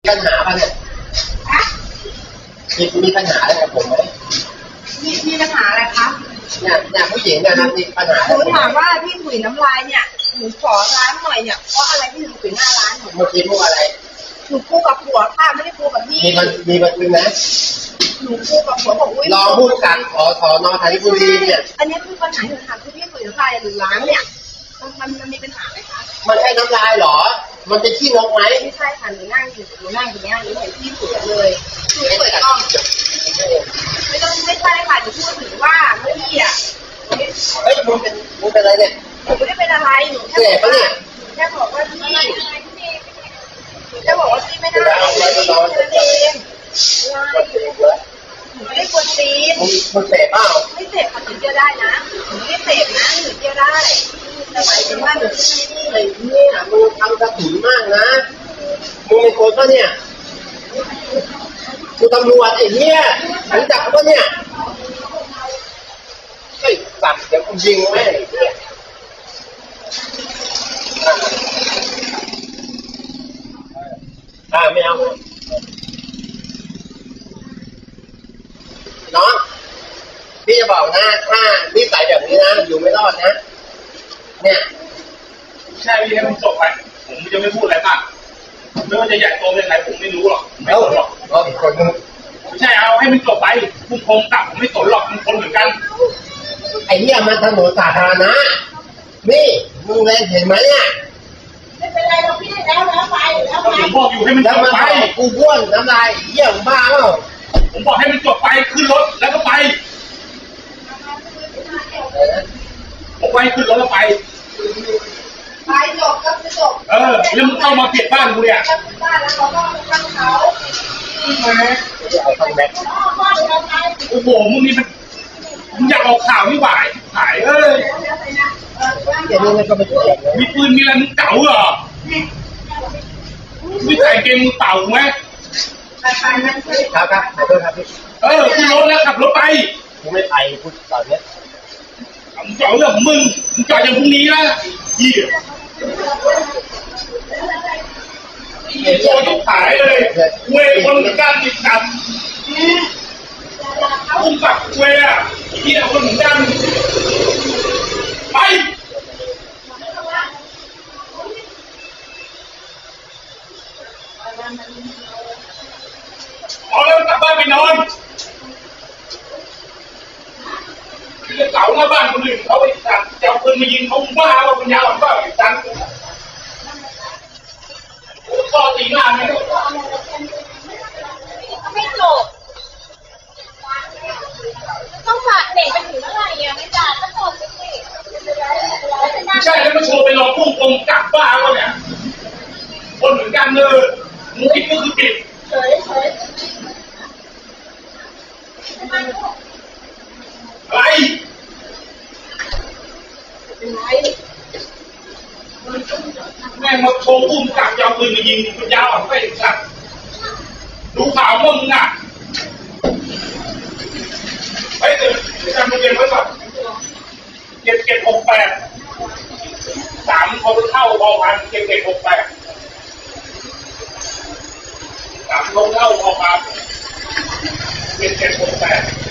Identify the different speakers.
Speaker 1: ปัญหาป่ะเนี่ยมีปัญหาอะไรกับผมไหม
Speaker 2: มีปัญหาอะไรคะ
Speaker 1: เนี่ยผู้หญิงเนี่ยนะมีปัญหา
Speaker 2: หนูถามว่าที่ถุยน้ำลายเนี่ยหนูขอร้านหน่อยเนี่ยเพราะอะไรที่หนูถุยหน้าร้านหนู
Speaker 1: เมื่อกี้พูดอะไร
Speaker 2: หนูคู่กับผัวค่ะไม่ได้คู่กับพี่
Speaker 1: มีบันทึกนะ
Speaker 2: หนูคู่กับผัวบอกอุ้ย
Speaker 1: รองผู้การขอสน.ธัญบุรีเนี่ย
Speaker 2: อันนี้คือปัญหาหนูถามคือพี่ถุยน้ำลายหรือล้างเนี่ยมันมีปัญหาไหมคะ
Speaker 1: มันใช่น้ำลายหรอมันเป็นขี้นกไหม
Speaker 2: ไม่ใช่ค่ะหนูนั่งอยู่ตรงนี้หนูเห็นพี่ถุยเลยถุยเปิดกล้องไม่ใช่ค่ะหนูพูดถึงว่าเมื่อกี้อ่ะ
Speaker 1: เฮ้ยมึงเป็นอะไรเนี่ย
Speaker 2: หนูไม่ได้เป็นอะไรหนู
Speaker 1: แค่บอกว่า
Speaker 2: แค่บอกว่าพี่แค่บอกว่าพี่ไม่ได้เองหนูไม่ได้กวนตีน
Speaker 1: มึงเสพเปล่า
Speaker 2: ไม่เสพค่ะหนูเที่ยวได้นะหนูไม่ได้เสพนะหนูเที่ยวได้แต่หมายถึงว่าหนู
Speaker 1: ไอ้เนี่ยมึงทำกระถิ่นมากนะมึงเป็นคนปะเนี่ยกูตำรวจไอ้เนี่ยรู้จักปะเนี่ยไอ้สัตว์เดี๋ยวกูยิงแม่ไม่เอาน้องพี่จะบอกนะถ้านิสัยแบบนี้นะอยู่ไม่รอดนะเนี่ย
Speaker 3: ใช่พี่ให้มันจบไปผมจะไม่พูดอะไรมากไม่ว่าจะใหญ่โตเป็นไงผมไม่รู้หรอกไม่สนหรอก
Speaker 1: อีกคนนึง
Speaker 3: ไม่ใช่เอาให้มันจบไปผู้คงตับผมไม่สนหรอกมันคนเหมือนกัน
Speaker 1: ไอ้เนี่ยมันถนนสาธารณะนี่มึงเห็นไหมเนี่ย
Speaker 2: ไม่เป็นไรเราพี่แล้วไป
Speaker 3: ผมบอกอยู่ให้มันจบไป
Speaker 1: กูบ้วนน้ำลายเยี่ยมบ้าเปล่า
Speaker 3: ผมบอกให้มันจบไปขึ้นรถแล้วก็ไปผมไปขึ้นรถแล้วไป
Speaker 2: จบก็จบ
Speaker 3: แล้วมึงเข้ามาเปลี่ยนบ้านกูเนี่ย
Speaker 2: บ้านแล้วเขาก็ตั้งเขา
Speaker 1: เอาทางแบ็ค
Speaker 3: โอ้โหมึงนี่มึงอยากออกข่าวไม่ไหวหาย
Speaker 1: อย่างนี้มันก็ไม่ถูก
Speaker 3: มีปืนมีอะไรมึงเก่าเหรอไม่ใส่เกงมึงเป่าไหม
Speaker 1: ครับขอโทษครับพี่
Speaker 3: ขึ้นรถแล้วขับรถไป
Speaker 1: กูไม่ไปพูดตอนนี้
Speaker 3: มึงจอดเรื่องของมึงจอดอย่างพรุ่งนี้นะยี่โจ้ยกขายเลยเวคนเหมือนกันติดกันอุ้มปักเวอ่ะที่เราคนเหมือนกันไปเอาแล้วกลับบ้านไปนอนเก่าหน้าบ้านคนอื่นเขาไปจับเจ้าปืนมายิงเขาบ้าว่าปัญญาอ่อนบ้าอีกตันก็ตีหน้าไม่ได้
Speaker 2: ไม่จบต้องฝากเด็กไปถึงเมื่อไหร่อ่ะไม่จ่ายก็จบสิ
Speaker 3: ไม่ใช่แล้วมาโชว์ไปรอพุ่งตรงกลับบ้าเขาเนี่ยคนเหมือนกันเลยมึงผิดก็คือผิดอะไรแม่งมาโชว์พุ่งกลับยาวปืนมายิงมันยาวอ่ะไม่สัตว์ดูข่าวมึงอ่ะเฮ้ยเดี๋ยวจำทะเบียนไว้ก่อน7768 3เขาเข้าพอพัน7768 3เขาเข้าพอพัน7768